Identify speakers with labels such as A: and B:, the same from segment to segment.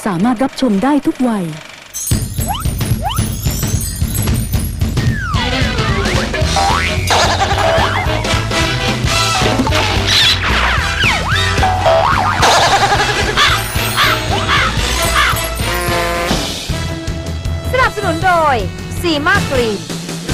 A: สามารถรับชมได้ทุกวัย
B: สนับสนุนโดยซีมากรีน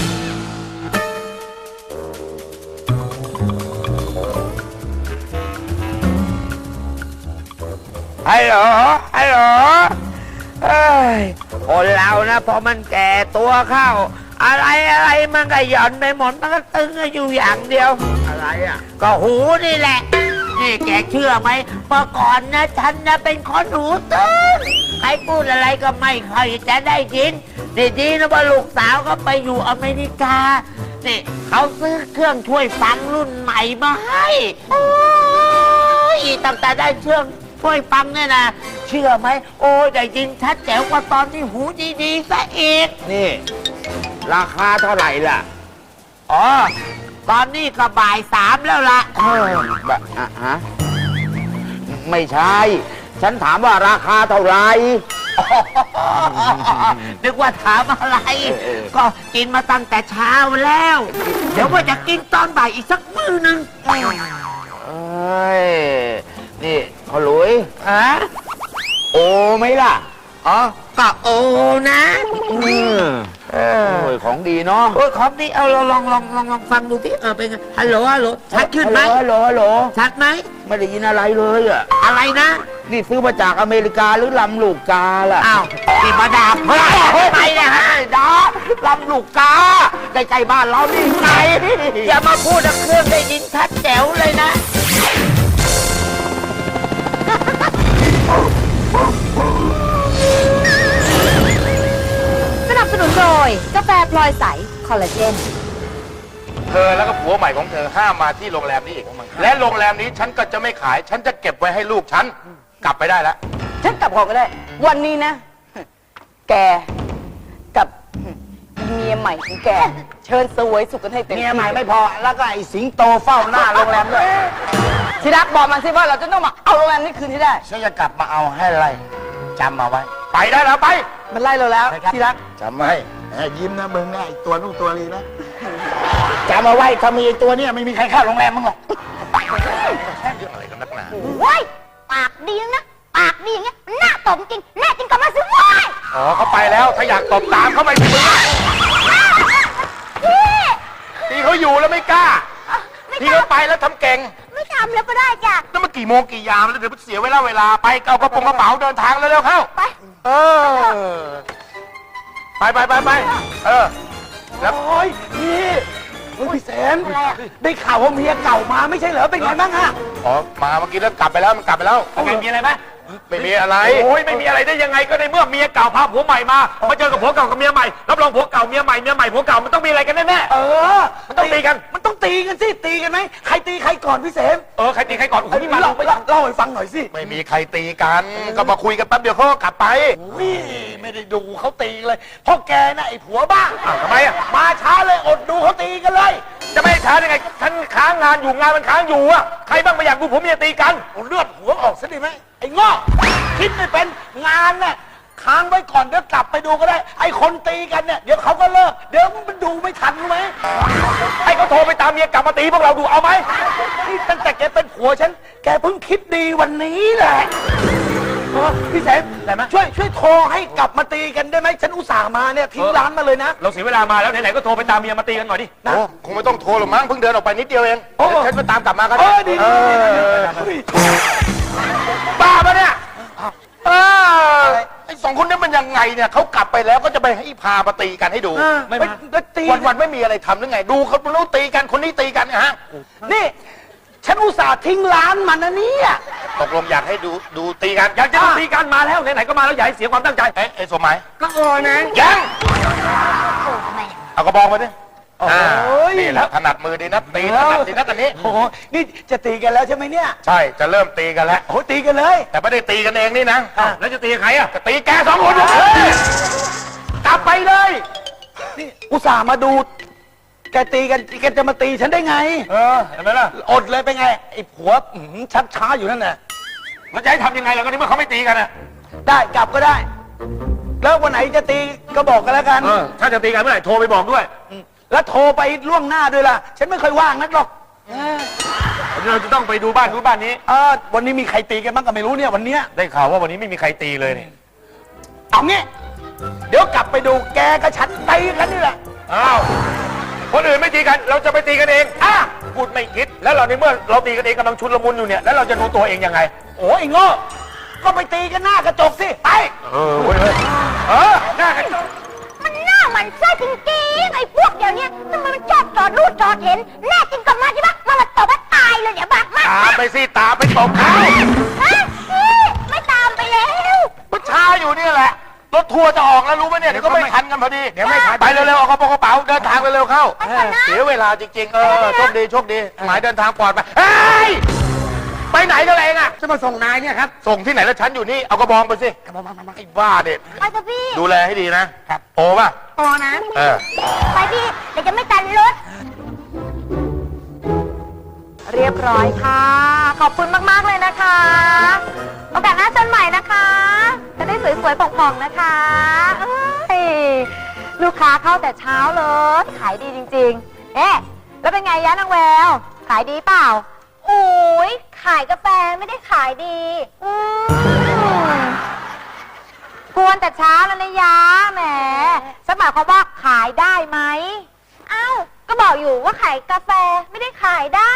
C: ฮัลโหลฮัลโหลเอ้ยคนเรานะพอมันแก่ตัวเข้าอะไรมันก็หย่อนไปหมดมันก็ตึงอยู่อย่างเดียวอะไรอ่ะก็หูนี่แหละนี่แกเชื่อไหมเมื่อก่อนนะฉันนะเป็นคนหูตึงใครพูดอะไรก็ไม่ค่อยจะได้ยินดีนะว่าลูกสาวก็ไปอยู่อเมริกานี่เขาซื้อเครื่องช่วยฟังรุ่นใหม่มาให้โอ้ยตั้งแต่ได้เครื่องช่วยฟังเนี่ยนะเชื่อไหมโอ้ยได้ยินชัดแจ๋วกว่าตอนที่หูดีๆซะอีกนี่ราคาเท่าไหร่ล่ะอ๋อตอนนี้ก็บ่าย3แล้วล่ะฮะไม่ใช่ฉันถามว่าราคาเท่าไหร่นึกว่าถามอะไรก็กินมาตั้งแต่เช้าแล้วเดี๋ยวว่าจะกินตอนบ่ายอีกสักมื้อนึงเอ้ยนี่พ่อหลุยโอไหมล่ะอ๋อก็โอนะโอ้ยของดีเนาะโอ้ยของดีเอาลองฟังดูที่เป็นไงฮัลโหลชัดขึ้นไหมฮัลโหลชัดไหมไม่ได้ยินอะไรเลยอะอะไรนะนี่ซื้อมาจากอเมริกาหรือลำลูกกาล่ะอ้าวนี่มาด่าเพื่อนไปเนี่ยฮะด่าลำลูกกาใกล้ๆบ้านเรานี่ไงอย่ามาพูดเครื่องได้ยินชัดแจ๋วเลยนะ
B: สนับสนุนโดยกาแฟพลอยใสคอลลาเจน
D: เธอแล้วก็ผัวใหม่ของเธอห้ามมาที่โรงแรมนี้อีกและโรงแรมนี้ฉันก็จะไม่ขายฉันจะเก็บไว้ให้ลูกฉันกลับไปได้แล้ว
E: ฉันกลับก่อนก็ได้วันนี้นะแกกับเมียใหม่ของแกเชิญเสวยสุขกันให้เต็มที่
C: เมียใหม่ไม่พอแล้วก็ไอ้สิงโตเฝ้าหน้าโรงแรมด้วย
E: ทีรักบอกมันสิว่าเราจะต้องมาเอาโรงแรมนี้คืนให้ได้
C: ฉันจะกลับมาเอาให้อะไรจำมาไว้
D: ไปได้แล้วไป
E: มันไล่เราแล้วทีรัก
C: จำไว้ยิ้มนะมึงนะไอ้ตัวนู่นตัวนี้นะจำมาไว้ถ้ามีไอ้ตัวเนี้ยไม่มีใครเข้าโรงแรมมึงหรอก
D: เรื่องอะไรกันนักหนา
F: เว้ยปากดีนะปากดีอย่างเงี้ยมันน่าตบจริงแน่จริงกลับมาสิเว้ย
D: อ๋อเขาไปแล้วถ้าอยากตบตามเขาไปสิมึงทีเขาอยู่แล้วไม่กล้าทีเขาไปแล้วทำเก่ง
F: ไม่ทำแล้วก็ได้จ้ะ
D: นั่นมันกี่โมงกี่ยามแล้วเดี๋ยวเสียเวลาไปเอากระเป๋าเดินทางเร็วๆเข้า
F: ไป
D: เออไปแล้ว
C: โอ้ยพี่แสนได้ข่าวว่าเมียเก่ามาไม่ใช่เหรอเป็นไงบ้างฮะ
D: อ๋อมาเมื่อกี้แล้วกลับไปแล้วมันกลับไปแล้ว
C: มีอะไรไหม
D: ไม่มีอะไร
G: โอ้ยไม่มีอะไรได้ยังไงก็ในเมื่อเมียเก่าพาผัวใหม่มาเจอกับผัวเก่ากับเมียใหม่รับรองผัวเก่าเมียใหม่ผัวเก่ามันต้องมีอะไรกันแน่ๆมันต้องตีกัน
C: สิตีกันไหมใครตีใครก่อนพี่เสม
G: ใครตีใครก่อนโอ้ยนี่มา
C: เล่าให้ฟังหน่อยสิ
D: ไม่มีใครตีกันก็มาคุยกันแป๊บเดียวเขาก็กลับไป
C: ไม่ได้ดูเขาตีเลยเพราะแกน่ะไอ้ผัวบ้า
D: ทำไมอ่ะ
C: มาช้าเลยอดดูเขาตีกันเลย
G: จะไม่ช้าได้ไงฉันค้างงานอยู่งานมันค้างอยู่อะใครบ้างไม่อยากดูผัวเมียตีกัน
C: เลือดหัวออกซะดีไหมไอ้ง้อคิดไม่เป็นงานน่ะค้างไว้ก่อนเดี๋ยวกลับไปดูก็ได้ไอ้คนตีกันเนี่ยเดี๋ยวเขาก็เลิกเดี๋ยวมันดูไม่ทันรู้ไหม
G: ให้เขาโทรไปตามเมียกลับมาตีพวกเราดูเอาไหม
C: นี่ตั้งแต่แกเป็นผัวฉันแกเพิ่งคิดดีวันนี้แหละพี่แสมช่วยโทรให้กลับมาตีกันได้ไหมฉันอุตส่าห์มาเนี่ยทิ้งร้านมาเลยนะ
G: เราเสียเวลามาแล้วไหนๆก็โทรไปตามเมียมาตีกันหน่อยดิ
D: โอ้คงไม่ต้องโทรหรอกมั้งเพิ่งเดินออกไปนิดเดียวเองเดี๋ยวฉันมาตามกลับมาก็
C: เอ
D: ได้
C: อดี
D: บ้าปะเนี่ยไอ้สองคนนี้มันยังไงเนี่ยเขากลับไปแล้วก็จะไปให้พามาตีกันให้ดู
C: ไม่ตี
D: วันไม่มีอะไรทำหรือไงดูเขารู้ตีกันคนนี้ตีกันฮะ
C: นี่ฉันอุตส่าห์ทิ้งร้านมันนะเนี่ย
D: ตกลงอยากให้ดูตีกัน
G: อยากจะตีกันมาแล้วไหนๆก็มาแล้วอย่าให้เสียความตั้งใจ
D: ไอ้สมหมาย
C: ก็โอ้นะ
D: ยัง
F: โอ้ทำไม
D: เอากระบองมาดิ
C: โอ้ย
D: นี่แหละถนัดมือดีนะตีถนัดดีนะตอนนี้
C: โอ้โหนี่จะตีกันแล้วใช่ไหมเนี่ย
D: ใช่จะเริ่มตีกันแล้ว
C: โอ้ตีกันเลย
D: แต่ไม่ได้ตีกันเองนี่นะ
G: แล้วจะตีใครอะ
D: จะตีแกสองคนเลยกลับไปเลย
C: นี่อุตส่าห์มาดูแกตีกันแกจะมาตีฉันได้ไง
G: เห็นไหมล่ะ
C: อดเลยเป็นไงไอ้ผัวชักช้าอยู่นั่นแหละ
G: มันจะให้ทำยังไงล่ะก็ในเมื่อเขาไม่ตีกันอะ
H: ได้กลับก็ได้ แล้ววันไหนจะตีก็บอกกันแล้วกัน
G: ถ้าจะตีกันเมื่อไหร่โทรไปบอกด้วย
H: แล้วโทรไปล่วงหน้าด้วยล่ะ ฉันไม่เคยว่างนักหรอก
G: เราจะต้องไปดูบ้านนู้นบ้านนี้
H: วันนี้มีใครตีกันบ้างก็ไม่รู้เนี่ยวันเนี้ย
G: ได้ข่าวว่าวันนี้ไม่มีใครตีเลยเนี่ย
H: เอางี้ เดี๋ยวกลับไปดูแกกับฉันตีกันนี่แหละ
G: อ้าวคนอื่นไม่ตีกันเราจะไปตีกันเองพูดไม่คิดแล้วเราในเมื่อเราตีกันเองกำลังชุนละมุนอยู่เนี่ยแล้วเราจะรู้ตัวเองยังไง
H: โอ้ยโง่ก็ไปตีกันหน้ากระจกสิไป
G: เว้ยหน้ากัน
F: มันหน้ามันไส้จริงๆไอ้พวกเดี๋ยวนี้ทำไมมันชอบจอดรูดจอดเห็นแน่จริงก็มาใช่ปะมาตบว่าตายเลยเดี๋ยวบักมาก
G: ตามไปสิตามไปตบเขา
F: ฮะพี่ไม่ตามไปแล้ว
D: มันช้าอยู่นี่แหละ รถทัวร์จะออกแล้วรู้ไหมเนี่ย เดี๋ยวก็ไม่ทันกันพอดี
G: เดี๋ยวไม่ทัน
D: ไปเร็วๆเอากระเป๋าเดินทางเร็วๆเข้า เสียเวลาจริงๆ โชคดีโชคดี หมายเดินทางปลอดภัยเฮ้ย ไปไหนกันเองอะ
G: จะมาส่งนายเนี่ยครับ
D: ส่งที่ไหนแล้วฉันอยู่นี่ เอากระบองไปสิไอ้บ้าเด็ด
F: ไปเถอะพี่
D: ดูแลให้ดีนะครับโอป่ะ
F: โตนะ ไปพี่เดี๋ยวจะไม่ตันรถ
B: เรียบร้อยค่ะ ขอบคุณมากๆเลยนะคะ โอกาสหน้าเชิญใหม่นะคะ จะได้สวยๆผ่องๆนะคะเอ้ยลูกค้าเข้าแต่เช้าเลย ขายดีจริงๆ แล้วเป็นไงยะนางแวว ขายดีเปล่า
F: โอ้ยขายกาแฟไม่ได้ขายดี
B: กวนแต่เช้าแล้วนะยะแหมฉันหมายความว่าขายได้ไหม
F: เอ้าก็บอกอยู่ว่าขายกาแฟไม่ได้ขายได้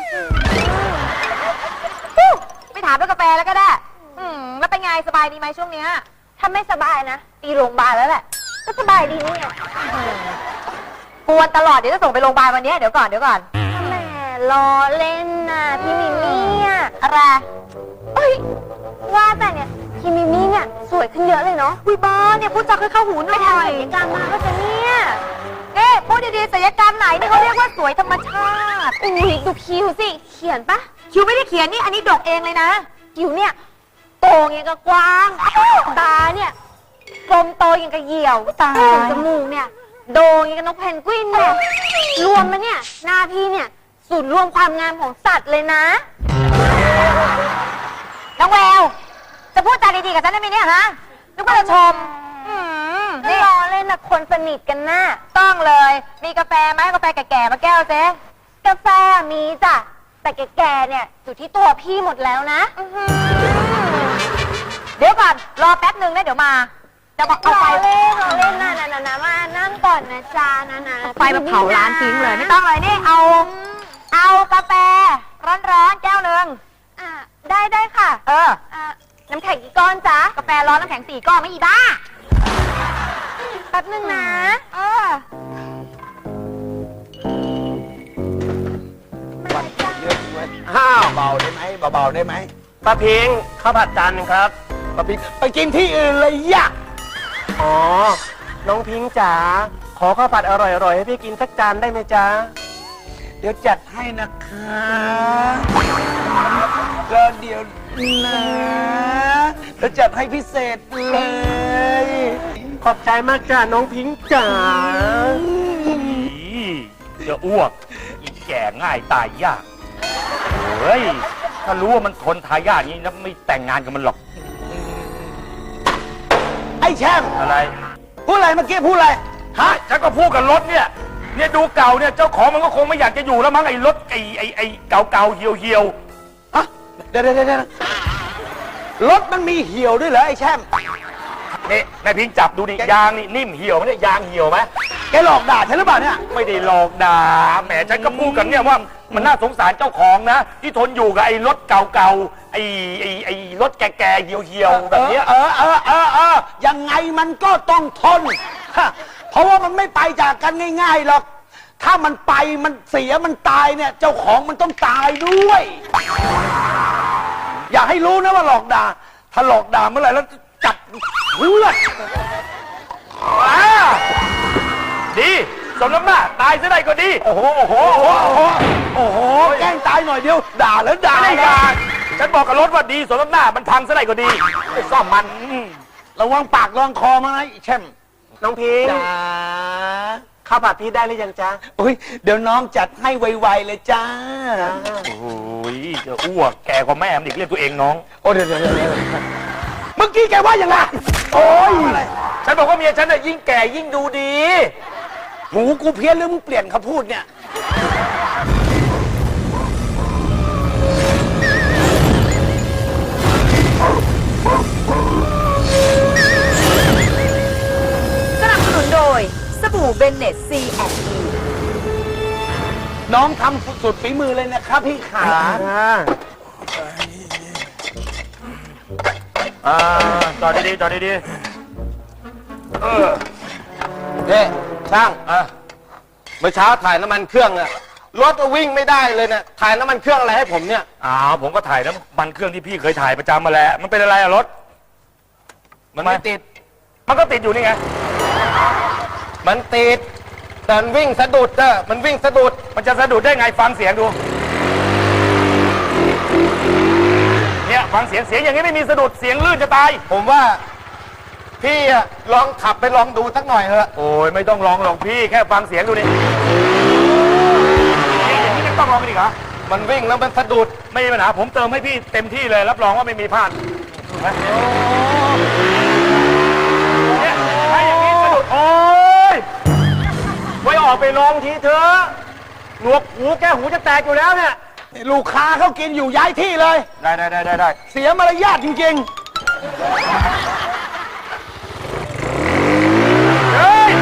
B: ไม่ถามเรื่องกาแฟแล้วก็ได้แล้วเป็นไงสบายดีไหมช่วงเนี้ย
F: ถ้าไม่สบายนะตีโรงพยาบาลแล้วแหละ ก็สบายดีนี่ไง
B: กวนตลอดเดี๋ยวจะส่งไปโรงพยาบาลวันนี้เดี๋ยวก่อน
F: แหมล้อเล่นน่ะพี่มิมี่อะ
B: อะไร
F: เอ้ยว่าแต่เนี่ยพี่มิมี่เนี่ยสวยขึ้นเยอะเลยเนาะ
B: วิบอเนี่ยพูดจาค่อยเข้าหูหน่
F: ไป
B: อย
F: ทำศัลยกรรมมาก็จะเนี่ย
B: พูดดีๆศัลยกรรมไหนนี่เขาเรียกว่าสวยธรรมชาติ
F: อุ้ยดูคิ้วสิเขียนปะ
B: คิวไม่ได้เขียนนี่อันนี้ดกเองเลยนะ
F: คิ้วเนี่ยโตอย่างกับกวางตาเนี่ยกลมโตอย่างกับเหยี่ยว
B: ตาย
F: ส่วนจมูกเนี่ยโด่งอย่างกับนกเพนกวินเนี่ยรวมมาเนี่ยหน้าพี่เนี่ยศูนย์รวมความงามของสัตว์เลยนะ
B: น้องแววจะพูดจาดีๆกับฉันได้ไหมเนี่ยฮะนึกว่าจะชม
F: นี่รอเล่นนะคนสนิทกันนะ
B: ต้องเลย มีกาแฟไหมกาแฟแก่ๆมาแก้วเจ๊
F: กาแฟมีจ้ะแต่แก่ๆเนี่ยอยู่ที่ตัวพี่หมดแล้วนะ
B: เดี๋ยวก่อนรอแป๊บหนึ่งนะเดี๋ยวมาจะบอกเอา
F: ร
B: ไฟ
F: อเล่นนะมานั่งก่อนนะจ๊ะนะ
B: ไฟมาเผาร้านทิ้งเลยไม่ต้องเลยนี่เอากาแฟร้อนๆแก้วหนึ่ง
F: อ่ะได้ค่ะ
B: อ่ะ
F: น้ำแข็งกี่ก้อนจ๊ะ
B: กาแฟร้อนน้ำแข็ง4 ก้อนไม่อีบ้า
F: แป๊บนึงนะ
H: เบาได้ไหมเบาๆได้ไหม
G: ป้าพิงข้าวผัดจานหนึ่งครับ
H: ปะปิ๊กไปกินที่อื่นเลยยะ
G: อ๋อ น้องพิงจ๋า ขอข้าวผัดอร่อยๆให้พี่กินสักจานได้ไหมจ๊ะ
H: เดี๋ยวจัดให้นะคะก็เดี๋ยวนะแล้วจัดให้พิเศษเลย
G: ขอบใจมากจ้าน้องพิงจ๋าจะอ้วกอีแก่ง่ายตายยาก เฮ้ย ถ้ารู้ว่ามันทนทายาทนี้นะไม่แต่งงานกับมันหรอก
H: ไอ้แช่ม
G: อะไร
H: พูดอะไรเมื่อกี้พูดอะไร
G: ฮะ ฉันก็พูดกับรถเนี่ย เนี่ยดูเก่าเนี่ยเจ้าของมันก็คงไม่อยากจะอยู่แล้วมั้งไอ้รถไอ้เก่าๆเหี่ยว
H: ฮะเดี๋ยวรถมันมีเหี่ยวด้วยเหรอไอ้แช่ม
G: ๆนี่นายพิงจับดูดิยางนี่นิ่มเหี่ยวไหมเนี่ยยางเหี่ยวไหม
H: แกหลอกด่าฉันหรือเปล่าเนี่ย
G: ไม่ได้หลอกด่าแหมฉันก็พูดกันเนี่ยว่ามันน่าสงสารเจ้าของนะ ที่ทนอยู่กับไอ้รถเก่าๆไอ้รถแก่ๆเหี่ยวๆแบบเนี้ย
H: ยังไงมันก็ต้องทนฮะเพราะว่ามันไม่ไปจากกันง่ายๆหรอก ถ้ามันไปมันเสียมันตายเนี่ย เจ้าของมันต้องตายด้วย อย่าให้รู้นะว่าหลอกด่า ถ้าหลอกด่าเมื่อไหร่แล้วจับเลือด
G: ดีสมน้ำหน้าตายซะได้ก็ดี
H: โอ้โหแกล้งตายหน่อยเดียว ด่าแล้วด่า
G: ไม่ได้ด่าฉันบอกกับรถว่าดีสมน้ำหน้ามันพังซะได้ก็ดีไปซ่อมมัน
H: ระวังปากระวังคอมานะไอ้แช่ม
G: น้องพิง
H: จ้า
G: ข้าวผัดพี่ได้หรือยังจ๊ะ
H: โอ้ยเดี๋ยวน้องจัดให้ไวๆเลยจ้า
G: โอ้ยจะอ้วกแก่กว่าแม่มันอีกเรียกตัวเองน้อง
H: โอ้เดี๋ยวมื่อกี้แกว่าอย่างไร
G: โอ้ยฉันบอกว่าเมียฉันน่ะยิ่งแก่ยิ่งดูดี
H: หูกูเพี้ยนหรือมึงเปลี่ยนคำพูดเนี่ย
A: สนับสนุนโดย สบู่เบนเนตซีแอนด์
H: น้องทำสุดฝีมือเลยนะครับพี่ขา
G: จอดดีๆจอดดี
I: เนี่ยช่างเมื่อเช้าถ่ายน้ำมันเครื่องอะรถก็วิ่งไม่ได้เลยเนี่ยถ่ายน้ำมันเครื่องอะไรให้ผมเนี่ย
G: ผมก็ถ่ายน้ำมันเครื่องที่พี่เคยถ่ายประจำมาแหล้วมันเป็นอะไรอะรถ
I: มันไม่ติด
G: มันก็ติดอยู่นี่ไง
I: มันติดแต่มันวิ่งสะดุดอะมันวิ่งสะดุด
G: มันจะสะดุดได้ไงฟังเสียงดู เนี่ยฟังเสียงอย่างนี้ไม่มีสะดุดเสียงลื่นจะตาย
I: ผมว่าพี่อะลองขับไปลองดูสักหน่อยเถอะ
G: โอ้ยไม่ต้องลองหรอกพี่แค่ฟังเสียงดูนี่อย่างนี้ยังต้องลองกันอีกเหรอ
I: มันวิ่งแล้วมันสะดุด
G: ไม่มีปัญหาผมเติมให้พี่เต็มที่เลยรับรองว่าไม่มีพลาดนะเนี่ยถ้าอย่างนี้สะดุดโอ้ยไว้ออกไปลองทีเถอะหนวกหูแก้หูจะแตกอยู่แล้วเนี่ย
H: ลูกค้าเขากินอยู่ย้ายที่เลย
G: ได้
H: เสียมารยาทจริง
G: เฮ้ย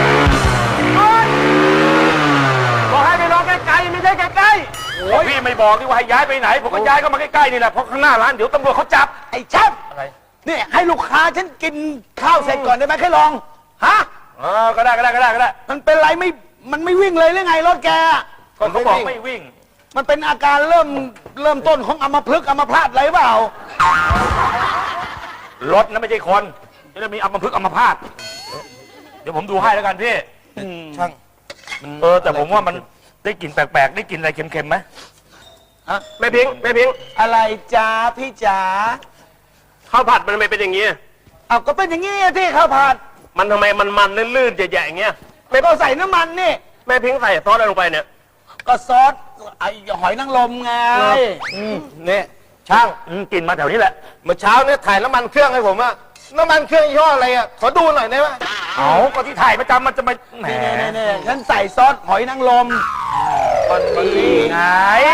G: บอกให้ไปลองใกล้ๆไม่ใช่ใกล้ๆพี่ไม่บอกนี่ว่าให้ย้ายไปไหนผมก็ย้ายเข้ามาใกล้ๆนี่แหละเพราะข้างหน้าร้านเดี๋ยวตำรวจเขาจับ
H: ๆ ไอ้ชับ
G: อะไร
H: นี่ให้ลูกค้าฉันกินข้าวเสร็จก่อนได้ไหมแค่ลอง ฮะ
G: ก็ได้
H: มันเป็นไรมันไม่วิ่งเลยหรือไงรถแกอะ
G: ก็เขาบอกไม่วิ่ง
H: มันเป็นอาการเริ่มต้นของอัมพฤกษ์อัมพาตอะไรเปล่า
G: รถนะไม่ใช่คนจะได้มีอัมพฤกษ์อัมพาตเดี๋ยวผมดูให้แล้วกันพี่
I: ช่าง
G: แต่ผมว่ามันได้กลิ่นแปลกๆได้กลิ่นอะไรเค็มๆไหม
I: แม่พิงแม่พิง
H: อะไรจ้าพี่จ๋า
I: ข้าวผัดมันทำไมเป็นอย่างนี้
H: เอาก็เป็นอย่างงี้อะที่ข้าวผัด
I: มันทำไมมันลื่นๆใหญ่ๆอย่างเงี้ย
H: ไม่ต้องใส่น้ำมันนี่
I: แม่พิงใส่ซอสอะไรลงไปเนี่ย
H: ก็ซอสไอ้หอยนางรมไง
I: เนี่ยช่าง
G: กลิ่นมาแถวนี้แหละ
I: เมื่อเช้าเนี่ยถ่ายน้ำมันเครื่องให้ผมอะน้ำมันเครื่องยี่ห้ออะไรอะขอดูหน่อยได้ไหม
G: เอาก็ที่ถ่ายประจำมันจะมาแหม
H: นี่ฉันใส่ซอสหอยนางรม
G: ไง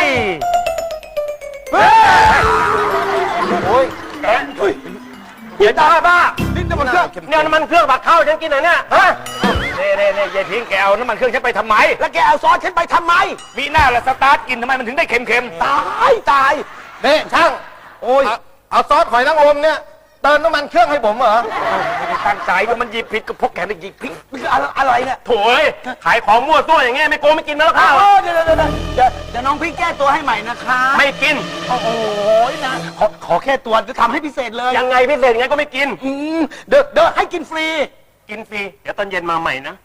I: โอ้ย
G: เดี๋ยวบ้า
H: นี่น้ำมันเครื่อง
I: เนี่ยน้ำมันเครื่องบักเข้าฉันกินหน่อยเนี่ยฮะ
G: นี่ยายพิงแกเอาน้ำมันเครื่องฉันไปทำไม
H: แล้วแกเอาซอสฉันไปทำไม
G: มีหน้าละสตาร์ทกินทำไมมันถึงได้เค็ม
H: ตาย
I: นี่ช่าง โอ้ยเอาซอสหอยนางรมเนี่ยเติมน้ำมันเครื่องให้ผมเหรอ
G: ๆไม่ได้ตั้งใจก็มันหยิบผิดก็พกแกได้หยิบผิด
H: นี่คืออะไรเนี่ย
G: โถ่เอ้ยขายของมั่วตัวอย่างเงี้ยไม่โกงไม่กินแล้วข้าว
H: เดี๋ยวน้องพี่แก้ตัวให้ใหม่นะคะ
G: ไม่กิน
H: โอ้โหนะขอแค่ตัวจะทำให้พิเศษเลย
G: ยังไงพิเศษยังไงก็ไม่กิน
H: เดี๋ยวให้กินฟรี
G: กินฟรีเดี๋ยวตอนเย็นมาใหม่นะ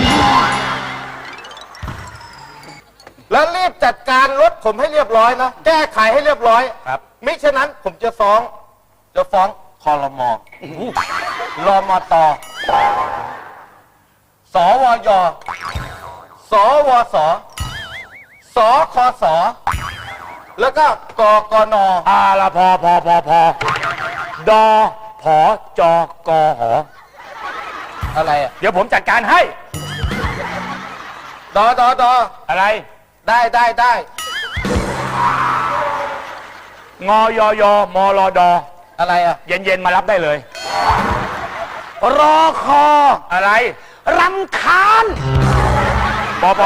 I: แล้วรีบจัดการรถผมให้เรียบร้อยนะ แก้ไขให้เรียบร้อย
G: ครับ
I: มิฉะนั้นผมจะฟ้องคอรมรมตสวยสวสสคสแล้วก็กกน
G: ละพอดอผอจกหอ
I: อะไรอะ
G: เดี๋ยวผมจัดการให้
I: ด
G: อะไร
I: ได้
G: งอยมลด
I: อะไรอะ
G: เย็นๆมารับได้เลย
H: รอคอ
G: อะไร
H: รำคาญ
G: ปไป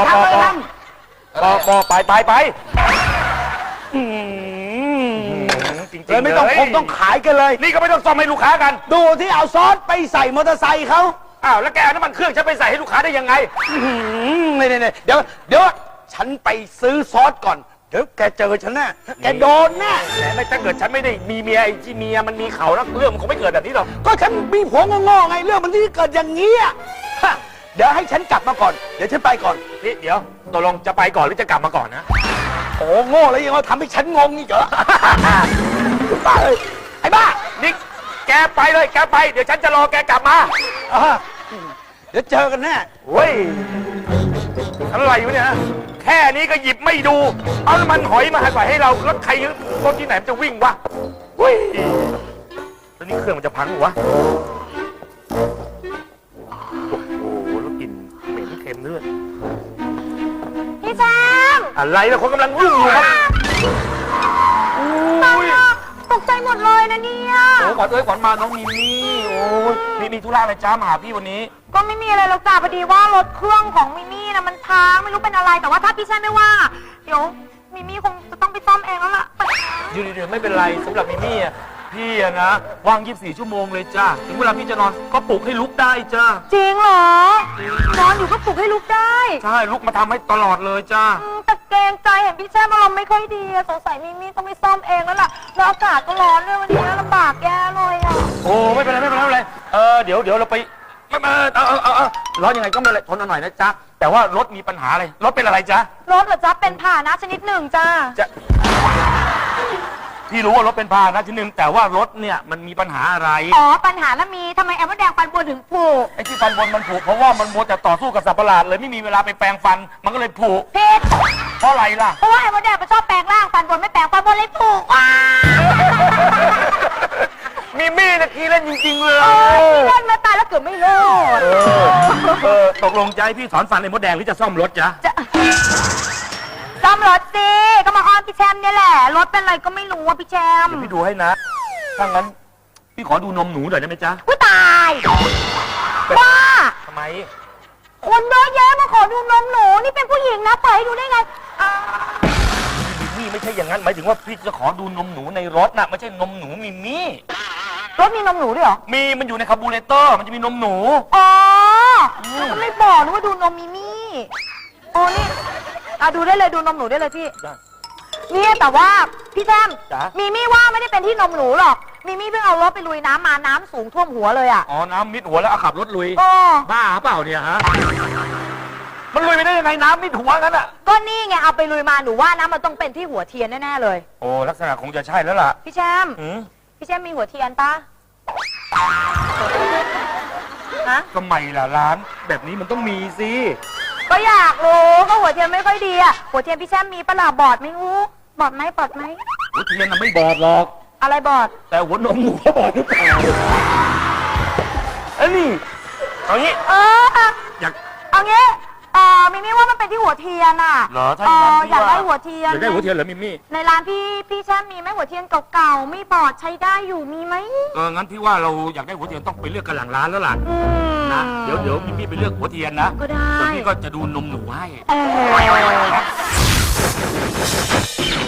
G: จริงๆ
H: เลยไม่ต้องคงต้องขายกันเลย
G: นี่ก็ไม่ต้องซ่อมให้ลูกค้ากัน
H: ดูที่เอาซอสไปใส่มอเตอร์ไซค์เขา
G: อ้าวแล้วแกเอาน้ำมันเครื่องฉันไปใส่ให้ลูกค้าได้ยังไง
H: นี่เดี๋ยวฉันไปซื้อซอสก่อน เดี๋ยวแกเจอฉันแน่แกโดนแน่
G: แต่ไม่ถ้าเกิดฉันไม่ได้มีเมียไอ้ที่เมียมันมีเขาแล้วเรื่องมันคงไม่เกิดแบบนี้หรอก
H: ก็ฉันมีผัวงอๆไงเรื่องมันที่เกิดอย่างนี้อะฮะเดี๋ยวให้ฉันกลับมาก่อน เดี๋ยวฉันไปก่อน
G: นี่เดี๋ยวตกลงจะไปก่อนหรือจะกลับมาก่อนนะ
H: โอ้โง่แล้วยังมาทำให้ฉันงงอีกเหรอ บ้าเลยไอ้บ้า
G: นี่แกไปเลยแกไปเดี๋ยวฉันจะรอแกกลับมา
H: อ่าเดี๋ยวเจอกันแน่
G: เฮ้ยอะไรอยู่เนี่ยแค่นี้ก็หยิบไม่ดู เอาน้ำมันหอยมาใส่ให้เราแล้วใครรถที่ไหนมันจะวิ่งวะเฮ้ยแล้วนี่เครื่องมันจะพังหรือวะโอ้โหแล้วกลิ่นเหม็นเค็มเลือด
B: พี่แชมป์
G: อะไรนะคนกำลังยุ่งอยู่ครับ
B: ตกใจหมดเลยนะเนี่ย
G: โอ้ขวัญขวัญมาน้องมิมี่โอ้ยมีธุระอะไรจ้ามาหาพี่วันนี้
B: ก็ไม่มีอะไรหรอกจ้าพอดีว่ารถเครื่องของมิมี่นะมันพังไม่รู้เป็นอะไรแต่ว่าถ้าพี่แชมป์ไม่ว่า เดี๋ยวมิมี่คงจะต้องไปซ่อมเองแล้วล่ะ
G: เดี๋ยวไม่เป็นไรสำหรับมิมี่อ่ะพี่อะนะว่าง24 ชั่วโมงเลยจ้าถึงเวลาพี่จะนอนก็ปลุกให้ลุกได้จ้า
B: จริงเหรอนอนอยู่ก็ปลุกให้ลุกได้
G: ใช่ลุกมาทำให้ตลอดเลยจ้า
B: แต่เกรงใจเห็นพี่แชมป์อารมณ์ไม่ค่อยดีอะสงสัยมิมี่ต้องไปซ่อมเองแล้วล่ะแล้วอากาศก็ร้อนด้วยวันนี้ลำบากแย่เลยอะ
G: โอ้ไม่เป็นไรไม่เป็นไรเดี๋ยวเราไปไม่มาเอาร้อนยังไงก็ไม่เป็นไรทนเอาหน่อยนะจ๊ะแต่ว่ารถมีปัญหาอะไรรถเป็นอะไรจ๊ะ
B: รถเหรอจ๊ะเป็นพาหนะชนิดหนึ่งจ้า
G: จะพี่รู้ว่ารถเป็นพาหนะชนิดหนึ่งแต่ว่ารถเนี่ยมันมีปัญหาอะไร
B: อ๋อปัญหาแล้วมีทำไมแอมว่าแดงปันบัวถึงผูก
G: ไอ้ที่ฟันบนมันผุเพราะว่ามันมัวแต่ต่อสู้กับสัตว์ประหลาดเลยไม่มีเวลาไปแปรงฟันมันก็เลยผุ
B: ผิด
G: เพราะอะไรล่ะ
B: เพราะว่าแอมว่าแดงมันชอบแปลงร่างปันบนไม่แปลงปันบนเลยผูกว้า
G: มีมี่นะทีเล่นจริงๆเลย
B: เล่นมาตายแล้วเกือบไม่รอด
G: ตกลงใจพี่ถอนฟันไอ้มดแดงหรือจะซ่อมรถจ๊ะ
B: ซ่อมรถสิก็มาอ้อนพี่แชมป์เนี่ยแหละรถเป็นอะไรก็ไม่รู้ว่าพี่แชมป์
G: เดี๋ยวพี่ดูให้นะถ้างั้นพี่ขอดูนมหนูหน่อยได้ไหมจ๊ะ
B: ผู้ตายบ้า
G: ทำไม
B: คนเยอะแยะมาขอดูนมหนูนี่เป็นผู้หญิงนะปล่อยให้ดูได้ไงอ่า
G: นี่ไม่ใช่อย่างนั้นหมายถึงว่าพี่จะขอดูนมหนูในรถน่ะไม่ใช่นมหนูมิมี่
B: รถมีนมหนูด้วยเหรอ
G: มีมันอยู่ในคาร์บูเรเตอร์มันจะมีนมหนู
B: อ๋อแล้วก็ไม่บอกนะว่าดูนมมิมี่โอ้นี่ดูได้เลยดูนมหนูได้เลยพี่เนี่ยแต่ว่าพี่แชมป์
G: จ๊ะ
B: มิมี่ว่าไม่ได้เป็นที่นมหนูหรอกมิมี่เพิ่งเอารถไปลุยน้ำมาน้ำสูงท่วมหัวเลยอ่ะ
G: อ๋อน้ำมิดหัวแล้วเอาขับรถลุย
B: อ๋อ
G: บ้าเปล่าเนี่ยฮะมันลุยไปได้ยังไงน้ำมิดหัวงั้นอ่ะ
B: ก็นี่ไงเอาไปลุยมาหนูว่านะมันต้องเป็นที่หัวเทียนแน่ๆเลย
G: โอ้ลักษณะคงจะใช่แล้วล่ะ
B: พี่แชมป์
G: อืม
B: พี่แชมป์มีหัวเทียนปะฮะ
G: ก็ไม่ล่ะร้านแบบนี้มันต้องมีสิ
B: ก็อยากรู้ก็หัวเทียนไม่ค่อยดีอ่ะหัวเทียนพี่แชมป์มีปะล่ะบอดไหมงูบอดไหมบอดไหม
G: หัวเทียนน่ะไม่บอดหรอก
B: อะไรบอด
G: แต่หัวนมหนูก็บอดหรือเปล่าเอ้ยนี่เอางี้ อยาก
B: เอางี้มิมี่ว่ามันเป็นที่หัวเทียนอ่ะ
G: เหรอถ้าอย่างนั้นพี่
B: อยาก
G: ว่า
B: ได้หัวเทียน
G: อยากได้หัวเทียนเหรอมิมี่
B: ในร้านพี่แชมป์มีไหมหัวเทียนเก่าๆไม่บอดใช้ได้อยู่มีไหม
G: งั้นพี่ว่าเราอยากได้หัวเทียนต้องไปเลือกกันหลังร้านแล้วล่ะ นะเดี๋ยวมิมี่ไปเลือกหัวเทียนนะ
B: ก็ได้
G: ส่วนพี่ก็จะดูนมหนูให้
B: เออ